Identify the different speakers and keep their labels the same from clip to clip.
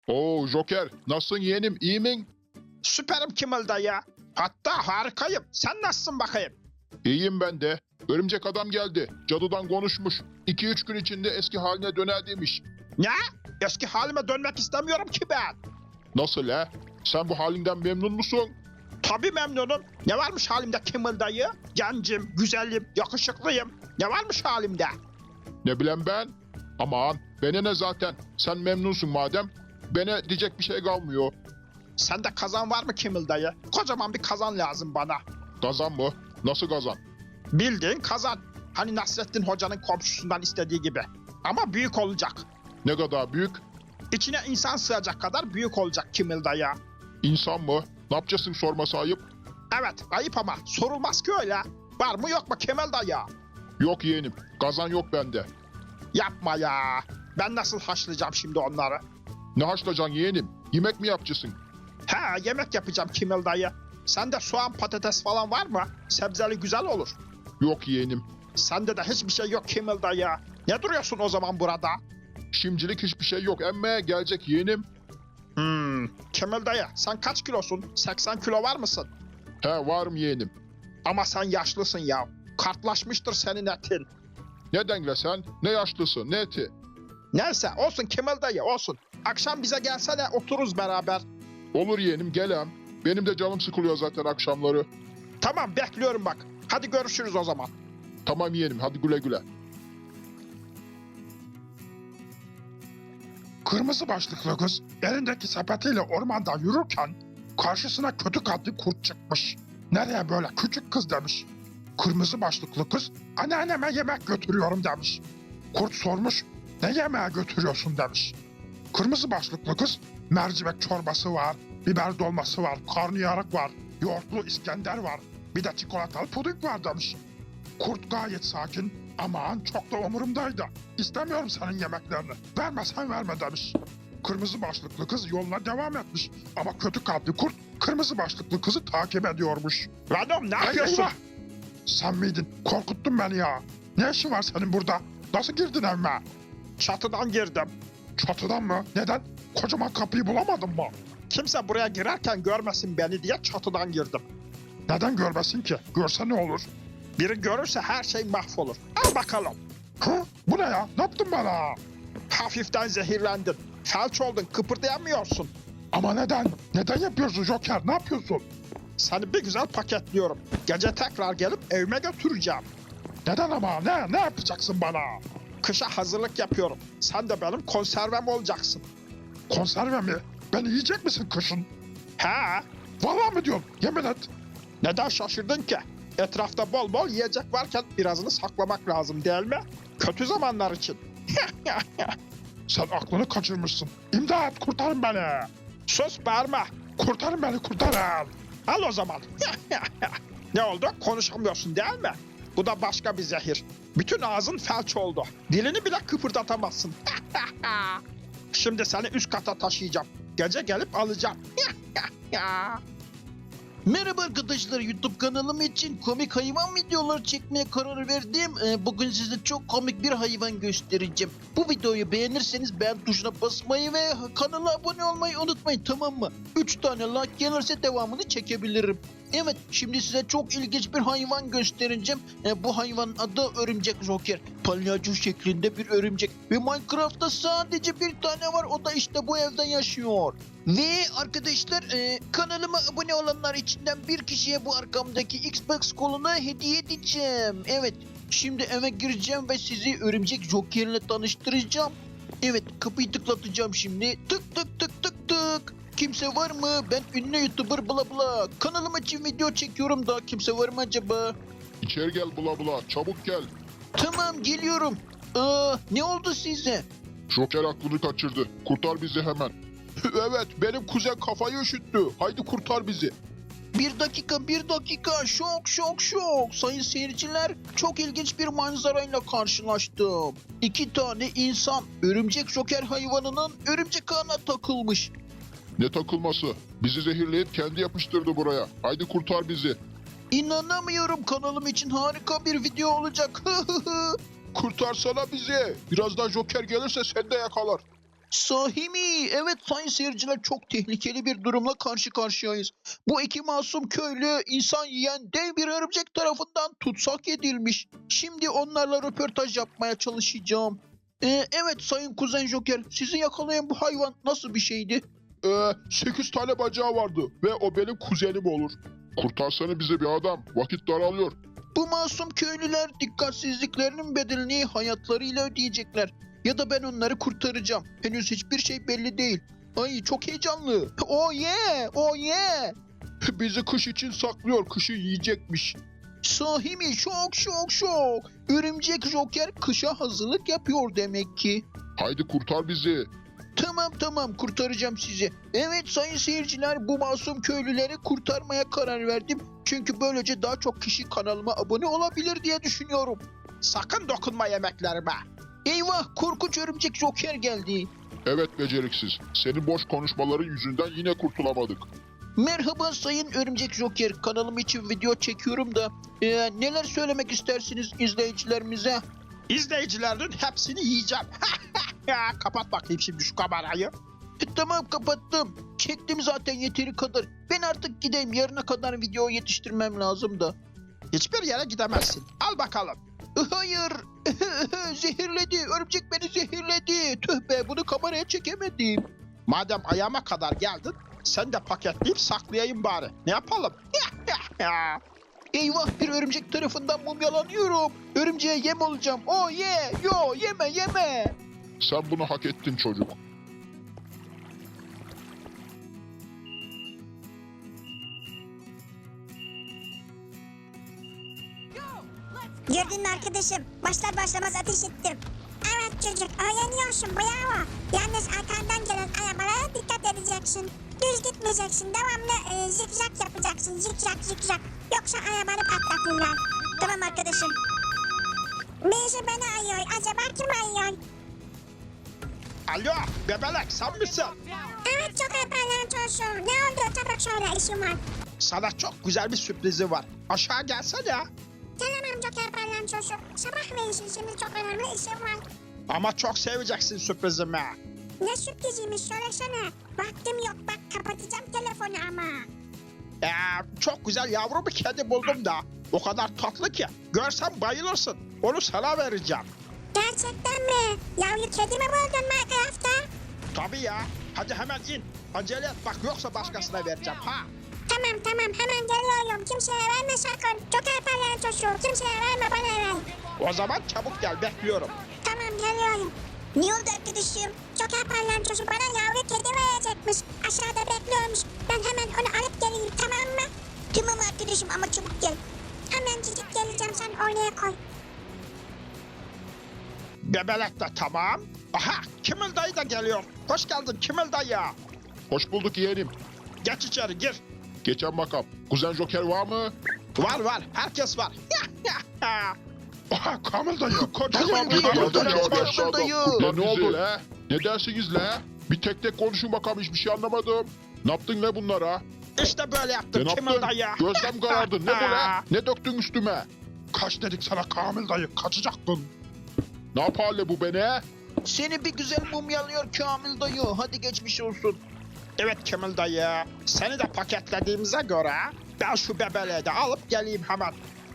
Speaker 1: Oo Joker, nasılsın yeğenim, iyi min?
Speaker 2: Süperim Kimmel dayı. Hatta harikayım. Sen nasılsın bakayım?
Speaker 1: İyiyim ben de. Örümcek adam geldi. Cadıdan konuşmuş. 2-3 gün içinde eski haline döner demiş.
Speaker 2: Ne? Eski halime dönmek istemiyorum ki ben.
Speaker 1: Nasıl he? Sen bu halinden memnun musun?
Speaker 2: Tabii memnunum. Ne varmış halimde Kimmel dayı? Gencim, güzelim, yakışıklıyım. Ne varmış halimde?
Speaker 1: Ne bileyim ben? Aman, bana ne zaten. Sen memnunsun madem. Bana diyecek bir şey kalmıyor.
Speaker 2: Sende kazan var mı Kimmel dayı? Kocaman bir kazan lazım bana.
Speaker 1: Kazan mı? Nasıl kazan?
Speaker 2: Bildiğin kazan. Hani Nasrettin Hoca'nın komşusundan istediği gibi. Ama büyük olacak.
Speaker 1: Ne kadar büyük?
Speaker 2: İçine insan sığacak kadar büyük olacak Kimmel dayı.
Speaker 1: İnsan mı? Ne yapacaksın sorması ayıp?
Speaker 2: Evet, ayıp ama sorulmaz ki öyle. Var mı yok mu Kimmel dayı?
Speaker 1: Yok yeğenim, kazan yok bende.
Speaker 2: Yapma ya. Ben nasıl haşlayacağım şimdi onları?
Speaker 1: Ne haşlayacaksın yeğenim? Yemek mi yapacaksın?
Speaker 2: He, yemek yapacağım Kimmel dayı. Sende soğan patates falan var mı? Sebzeli güzel olur.
Speaker 1: Yok yeğenim.
Speaker 2: Sende de hiçbir şey yok Kimmel dayı. Ne duruyorsun o zaman burada?
Speaker 1: Şimdilik hiçbir şey yok. Emme gelecek yeğenim.
Speaker 2: Kimmel dayı sen kaç kilosun? 80 kilo var mısın?
Speaker 1: He varım yeğenim.
Speaker 2: Ama sen yaşlısın ya. Kartlaşmıştır senin etin.
Speaker 1: Ne dengle sen? Ne yaşlısı, ne eti?
Speaker 2: Neyse olsun Kimmel dayı olsun. Akşam bize gelsene otururuz beraber.
Speaker 1: Olur yeğenim gelem. Benim de canım sıkılıyor zaten akşamları.
Speaker 2: Tamam bekliyorum bak. Hadi görüşürüz o zaman.
Speaker 1: Tamam yeğenim hadi güle güle.
Speaker 3: Kırmızı başlıklı kız elindeki sepetiyle ormanda yürürken karşısına kötü kalpli kurt çıkmış. Nereye böyle küçük kız demiş. Kırmızı başlıklı kız anneanneme yemek götürüyorum demiş. Kurt sormuş ne yemeğe götürüyorsun demiş. Kırmızı başlıklı kız mercimek çorbası var, biber dolması var, karnıyarık var, yoğurtlu İskender var, bir de çikolatalı puding var demiş. Kurt gayet sakin, aman çok da umurumdaydı. İstemiyorum senin yemeklerini. Vermesen verme demiş. Kırmızı başlıklı kız yoluna devam etmiş. Ama kötü kalpli kurt kırmızı başlıklı kızı takip ediyormuş.
Speaker 2: Venom ne
Speaker 3: Ay,
Speaker 2: yapıyorsun?
Speaker 3: eyvah! Sen miydin? Korkuttun beni ya. Ne işin var senin burada? Nasıl girdin evime?
Speaker 2: Çatıdan girdim.
Speaker 3: Çatıdan mı? Neden? Kocaman kapıyı bulamadın mı?
Speaker 2: Kimse buraya girerken görmesin beni diye çatıdan girdim.
Speaker 3: Neden görmesin ki? Görse ne olur?
Speaker 2: Biri görürse her şey mahvolur. Al bakalım.
Speaker 3: Hı? Bu ne ya? Ne yaptın bana?
Speaker 2: Hafiften zehirlendin. Felç oldun, kıpırdayamıyorsun.
Speaker 3: Ama neden? Neden yapıyorsun Joker? Ne yapıyorsun?
Speaker 2: Seni bir güzel paketliyorum. Gece tekrar gelip evime götüreceğim.
Speaker 3: Neden ama? Ne yapacaksın bana?
Speaker 2: Kışa hazırlık yapıyorum. Sen de benim konservem olacaksın.
Speaker 3: Konserve mi? Beni yiyecek misin kışın?
Speaker 2: He?
Speaker 3: Vallahi mi diyorsun? Yemin et.
Speaker 2: Neden şaşırdın ki? Etrafta bol bol yiyecek varken birazını saklamak lazım değil mi? Kötü zamanlar için.
Speaker 3: Sen aklını kaçırmışsın. İmdat kurtarın beni.
Speaker 2: Sus bağırma.
Speaker 3: Kurtarın beni kurtarın.
Speaker 2: Al o zaman. Ne oldu? Konuşamıyorsun değil mi? Bu da başka bir zehir. Bütün ağzın felç oldu. Dilini bile kıpırdatamazsın. Şimdi seni üst kata taşıyacağım. Gece gelip alacağım.
Speaker 4: Merhaba arkadaşlar, YouTube kanalım için komik hayvan videoları çekmeye karar verdim. Bugün size çok komik bir hayvan göstereceğim. Bu videoyu beğenirseniz beğen tuşuna basmayı ve kanala abone olmayı unutmayın, tamam mı? 3 tane like gelirse devamını çekebilirim. Evet, şimdi size çok ilginç bir hayvan göstereceğim. Bu hayvanın adı Örümcek Joker. Palyaço şeklinde bir örümcek. Ve Minecraft'ta sadece bir tane var, o da işte bu evde yaşıyor. Ve arkadaşlar kanalıma abone olanlar içinden bir kişiye bu arkamdaki Xbox kolunu hediye edeceğim. Evet, şimdi eve gireceğim ve sizi Örümcek Joker'le tanıştıracağım. Evet, kapıyı tıklatacağım şimdi. Tık tık tık tık tık. Kimse var mı? Ben ünlü YouTuber bla bla. Kanalım için video çekiyorum da kimse var mı acaba?
Speaker 1: İçeri gel bula bula, çabuk gel.
Speaker 4: Tamam, geliyorum. Ne oldu size?
Speaker 1: Joker aklını kaçırdı. Kurtar bizi hemen. Evet, benim kuzen kafayı üşüttü. Haydi kurtar bizi.
Speaker 4: Bir dakika. Şok. Sayın seyirciler, çok ilginç bir manzarayla karşılaştım. 2 tane insan örümcek Joker hayvanının örümcek ağına takılmış.
Speaker 1: Ne takılması? Bizi zehirleyip kendi yapıştırdı buraya. Haydi kurtar bizi.
Speaker 4: İnanamıyorum, kanalım için harika bir video olacak.
Speaker 1: Kurtarsana bizi. Birazdan Joker gelirse seni de yakalar.
Speaker 4: Sahi mi? Evet sayın seyirciler, çok tehlikeli bir durumla karşı karşıyayız. Bu iki masum köylü insan yiyen dev bir örümcek tarafından tutsak edilmiş. Şimdi onlarla röportaj yapmaya çalışacağım. Evet sayın Kuzen Joker, sizi yakalayan bu hayvan nasıl bir şeydi?
Speaker 1: 8 tane bacağı vardı ve o benim kuzenim olur. Kurtarsana bize bir adam. Vakit daralıyor.
Speaker 4: Bu masum köylüler dikkatsizliklerinin bedelini hayatlarıyla ödeyecekler. Ya da ben onları kurtaracağım. Henüz hiçbir şey belli değil. Ay çok heyecanlı. Oh yeah, oh yeah.
Speaker 1: Bizi kış için saklıyor. Kışı yiyecekmiş.
Speaker 4: Sahi mi? Şok şok şok. Örümcek Joker kışa hazırlık yapıyor demek ki.
Speaker 1: Haydi kurtar bizi.
Speaker 4: Tamam kurtaracağım sizi. Evet sayın seyirciler, bu masum köylüleri kurtarmaya karar verdim. Çünkü böylece daha çok kişi kanalıma abone olabilir diye düşünüyorum.
Speaker 2: Sakın dokunma yemeklerime.
Speaker 4: Eyvah, korkunç örümcek Joker geldi.
Speaker 1: Evet beceriksiz. Senin boş konuşmaların yüzünden yine kurtulamadık.
Speaker 4: Merhaba sayın örümcek Joker, kanalım için video çekiyorum da neler söylemek istersiniz izleyicilerimize?
Speaker 2: İzleyicilerin hepsini yiyeceğim. Kapat bakayım şimdi şu kamerayı.
Speaker 4: Tamam kapattım. Çektim zaten yeteri kadar. Ben artık gideyim, yarına kadar video yetiştirmem lazım da.
Speaker 2: Hiçbir yere gidemezsin. Al bakalım.
Speaker 4: Hayır. Zehirledi. Örümcek beni zehirledi. Tüh be, bunu kameraya çekemedim.
Speaker 2: Madem ayağıma kadar geldin, sen de paketleyip saklayayım bari. Ne yapalım?
Speaker 4: Eyvah, bir örümcek tarafından mumyalanıyorum. Örümceğe yem olacağım. Oh yeah. Yo, yeme.
Speaker 1: Sen bunu hak ettin çocuk.
Speaker 5: Gördün mü arkadaşım? Başlar başlamaz ateş ettim. Evet çocuk, öğreniyorsun, bravo. Yalnız arkandan gelen arabalara dikkat edeceksin. Düz gitmeyeceksin, devamlı zikzak yapacaksın, zikzak. Yoksa arabanı patlatırlar. Tamam arkadaşım. Birisi beni arıyor, acaba kim arıyor?
Speaker 2: Alo, bebelek sen misin?
Speaker 5: Evet çok yaparlar çocuğum. Ne oldu? Çabuk söyle, işim var.
Speaker 2: Sana çok güzel bir sürprizi var. Aşağı gelsene.
Speaker 5: Gelemem çok yaparlar çocuğum. Sabah verirsin, şimdi çok önemli işim var.
Speaker 2: Ama çok seveceksin sürprizimi.
Speaker 5: Ne sürpriziymiş söylesene. Vaktim yok, bak kapatacağım telefonu ama.
Speaker 2: Çok güzel yavru bir kedi buldum da. O kadar tatlı ki. Görsen bayılırsın. Onu sana vereceğim.
Speaker 5: Gerçekten mi? Yavru kedi mi buldun Minecraft'ta?
Speaker 2: Tabii ya. Hadi hemen in. Acele et bak, yoksa başkasına vereceğim ha.
Speaker 5: Tamam hemen geliyorum. Kimseye verme sakın. Çok yaparlar çocuğu. Kimseye verme, bana ver.
Speaker 2: O zaman çabuk gel, bekliyorum.
Speaker 5: Tamam geliyorum. Ne oldu arkadaşım? Çok yaparlar çocuğu bana yavru kedi verecekmiş. Aşağıda bekliyormuş. Ben hemen onu alıp geleyim, tamam mı? Tamam arkadaşım ama çabuk gel. Hemen cicik geleceğim, sen oraya koy.
Speaker 2: Bebelek de tamam. Aha, Kimil dayı da geliyor. Hoş geldin Kimil dayı.
Speaker 1: Hoş bulduk yeğenim.
Speaker 2: Geç içeri gir.
Speaker 1: Geçen bakalım. Kuzen Joker var mı?
Speaker 2: Var, herkes var.
Speaker 3: Aha Kamil dayı.
Speaker 2: Kocaman
Speaker 4: Dayı,
Speaker 2: bir
Speaker 4: dayı,
Speaker 2: yavru
Speaker 4: dayı,
Speaker 2: kedi.
Speaker 4: dayı, dayı.
Speaker 1: La ne oldu la? Ne dersiniz la? Bir tek konuşun bakalım, hiçbir şey anlamadım. Ne yaptın la bunlara?
Speaker 2: İşte böyle yaptım
Speaker 1: Ne
Speaker 2: Kimil
Speaker 1: yaptın?
Speaker 2: dayı.
Speaker 1: Gözlem karardı. Ne bu la? Ne döktün üstüme?
Speaker 3: Kaç dedik sana Kamil dayı, kaçacaktın.
Speaker 1: Ne yapar bu beni?
Speaker 4: Seni bir güzel mumyalıyor Kamil dayı. Hadi geçmiş olsun.
Speaker 2: Evet Kimil dayı. Seni de paketlediğimize göre ben şu bebeleği de alıp geleyim hemen.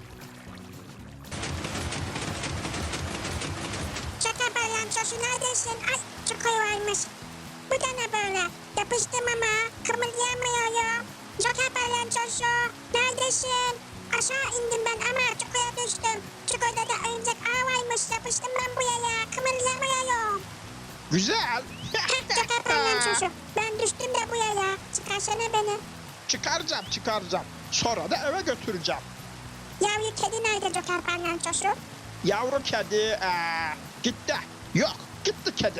Speaker 5: Çok yaparlar çocuğu, neredesin? Ay çok koyu varmış. Bu da ne böyle? Yapıştım ama kımıldayamıyorum. Çok yaparlar çocuğu. Neredesin? Aşağı indim ben ama çukura düştüm. Çukurda da örümcek ağ varmış. Yapıştım ben buraya. Kımıldayamıyorum.
Speaker 2: Güzel.
Speaker 5: Çok yaparlar çocuğu. Ben düştüm de buraya. Çıkarsana beni.
Speaker 2: Çıkaracağım. Sonra da eve götüreceğim.
Speaker 5: Yavru kedi nerede çok yaparlar çocuğu?
Speaker 2: Yavru kedi gitti. Yok, gitti kedi.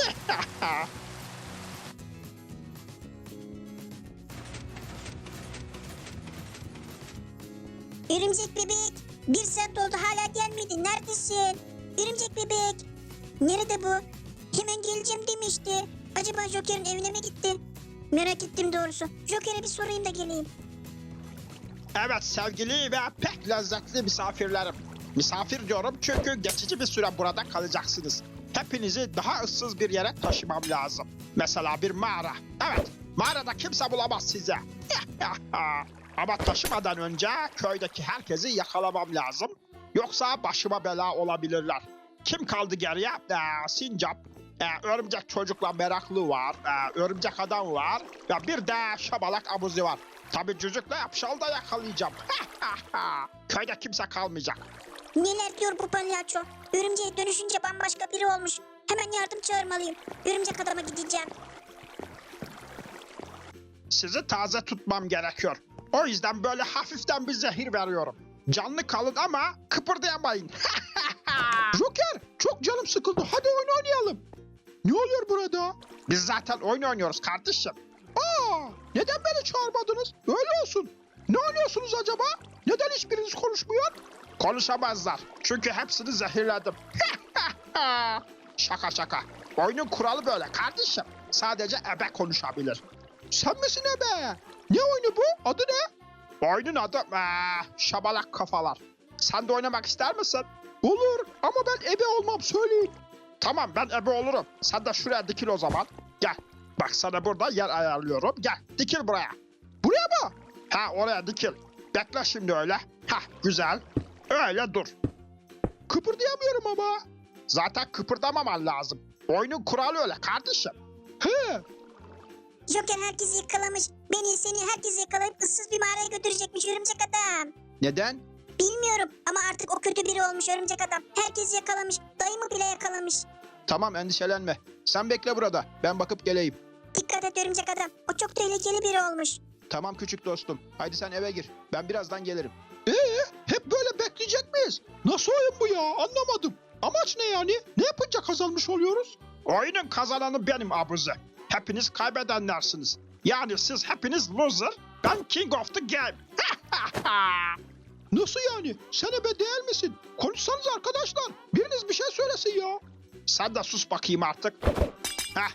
Speaker 5: Örümcek bebek. Bir saat oldu hala gelmedi. Neredesin? Örümcek bebek. Nerede bu? Hemen geleceğim demişti. Acaba Joker'in evine mi gitti? Merak ettim doğrusu. Joker'e bir sorayım da geleyim.
Speaker 2: Evet sevgili ve pek lezzetli misafirlerim. Misafir diyorum çünkü geçici bir süre burada kalacaksınız. hepinizi daha ıssız bir yere taşımam lazım. Mesela bir mağara. Evet, mağarada kimse bulamaz sizi. Ama taşımadan önce köydeki herkesi yakalamam lazım. Yoksa başıma bela olabilirler. Kim kaldı geriye? Sincap, örümcek çocukla meraklı var, örümcek adam var ve bir de şabalak abuzi var. Tabii cücükle yapşal da yakalayacağım. Köyde kimse kalmayacak.
Speaker 5: Neler diyor bu palyaço? Örümceğe dönüşünce bambaşka biri olmuş. Hemen yardım çağırmalıyım. Örümcek adama gideceğim.
Speaker 2: Sizi taze tutmam gerekiyor. O yüzden böyle hafiften bir zehir veriyorum. Canlı kalın ama kıpırdayamayın.
Speaker 3: Joker, çok canım sıkıldı. Hadi oyun oynayalım. Ne oluyor burada?
Speaker 2: Biz zaten oyun oynuyoruz kardeşim.
Speaker 3: Neden beni çağırmadınız? Öyle olsun. Ne oynuyorsunuz acaba? Neden hiçbiriniz konuşmuyor?
Speaker 2: Konuşamazlar. Çünkü hepsini zehirledim. Şaka şaka. Oyunun kuralı böyle kardeşim. Sadece ebe konuşabilir.
Speaker 3: Sen misin ebe? Ne oyunu bu? Adı ne?
Speaker 2: Oyunun adı şabalak kafalar. Sen de oynamak ister misin?
Speaker 3: Olur ama ben ebe olmam, söyleyin.
Speaker 2: Tamam, ben ebe olurum. Sen de şuraya dikil o zaman. Gel. Bak, sana burada yer ayarlıyorum. Gel, dikil buraya.
Speaker 3: Buraya mı?
Speaker 2: Ha, oraya dikil. Bekle şimdi öyle. Ha, güzel. Öyle dur.
Speaker 3: Kıpırdayamıyorum ama.
Speaker 2: Zaten kıpırdamaman lazım. Oyunun kuralı öyle kardeşim.
Speaker 3: He,
Speaker 5: Joker herkesi yakalamış. Beni, seni, herkesi yakalayıp ıssız bir mağaraya götürecekmiş örümcek adam.
Speaker 4: Neden?
Speaker 5: Bilmiyorum ama artık o kötü biri olmuş örümcek adam. Herkesi yakalamış. Dayımı bile yakalamış.
Speaker 4: Tamam, endişelenme. Sen bekle burada. Ben bakıp geleyim.
Speaker 5: Dikkat et örümcek adam. O çok tehlikeli biri olmuş.
Speaker 4: Tamam küçük dostum. Haydi sen eve gir. Ben birazdan gelirim.
Speaker 3: hep böyle bekleyecek miyiz? Nasıl oyun bu ya? Anlamadım. Amaç ne yani? Ne yapınca kazanmış oluyoruz?
Speaker 2: Oyunun kazananı benim abuzi. Hepiniz kaybedenlersiniz. Yani siz hepiniz loser, ben king of the game.
Speaker 3: Nasıl yani? Sen ebe değil misin? Konuşsanız arkadaşlar. Biriniz bir şey söylesin ya.
Speaker 2: Sen de sus bakayım artık. Heh.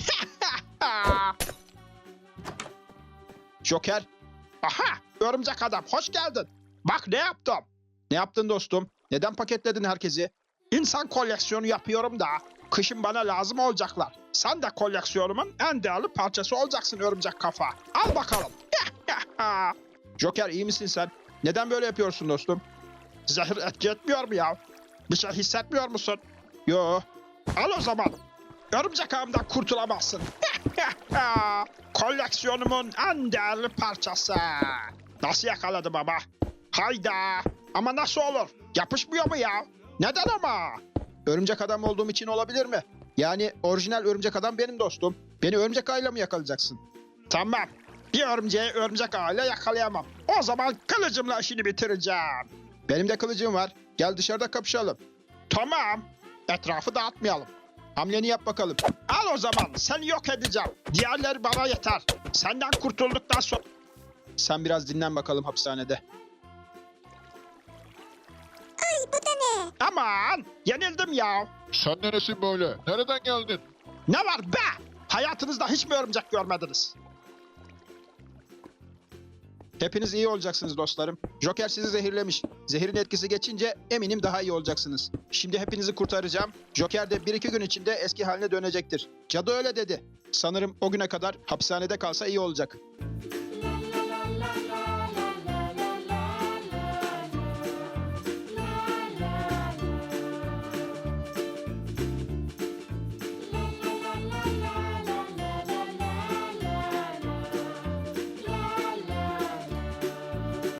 Speaker 4: Joker,
Speaker 2: Aha, örümcek adam, hoş geldin. Bak ne yaptım.
Speaker 4: ne yaptın dostum? Neden paketledin herkesi?
Speaker 2: İnsan koleksiyonu yapıyorum da kışın bana lazım olacaklar. Sen de koleksiyonumun en değerli parçası olacaksın örümcek kafa. Al bakalım.
Speaker 4: Joker, iyi misin sen? Neden böyle yapıyorsun dostum?
Speaker 2: Zehir etki etmiyor mu ya? Bir şey hissetmiyor musun?
Speaker 4: Yo,
Speaker 2: Al o zaman. Örümcek ağımdan kurtulamazsın. Koleksiyonumun en değerli parçası. Nasıl yakaladım ama? Hayda. Ama nasıl olur? Yapışmıyor mu ya? Neden ama?
Speaker 4: örümcek adam olduğum için olabilir mi? Yani orijinal örümcek adam benim dostum. Beni örümcek ağıyla mı yakalayacaksın?
Speaker 2: Tamam. Bir örümceği örümcek ağıyla yakalayamam. O zaman kılıcımla işini bitireceğim.
Speaker 4: Benim de kılıcım var. Gel dışarıda kapışalım.
Speaker 2: Tamam. Etrafı dağıtmayalım.
Speaker 4: Hamleni yap bakalım.
Speaker 2: Al o zaman. Seni yok edeceğim. Diğerleri bana yeter. Senden kurtulduktan sonra...
Speaker 4: Sen biraz dinlen bakalım hapishanede.
Speaker 5: Ay bu da ne?
Speaker 2: Aman. Yenildim ya.
Speaker 1: Sen neresin böyle? Nereden geldin?
Speaker 2: Ne var be? Hayatınızda hiç mi örümcek görmediniz?
Speaker 4: Hepiniz iyi olacaksınız dostlarım. Joker sizi zehirlemiş. Zehirin etkisi geçince eminim daha iyi olacaksınız. Şimdi hepinizi kurtaracağım. Joker de 1-2 gün içinde eski haline dönecektir. Cadı öyle dedi. Sanırım o güne kadar hapishanede kalsa iyi olacak.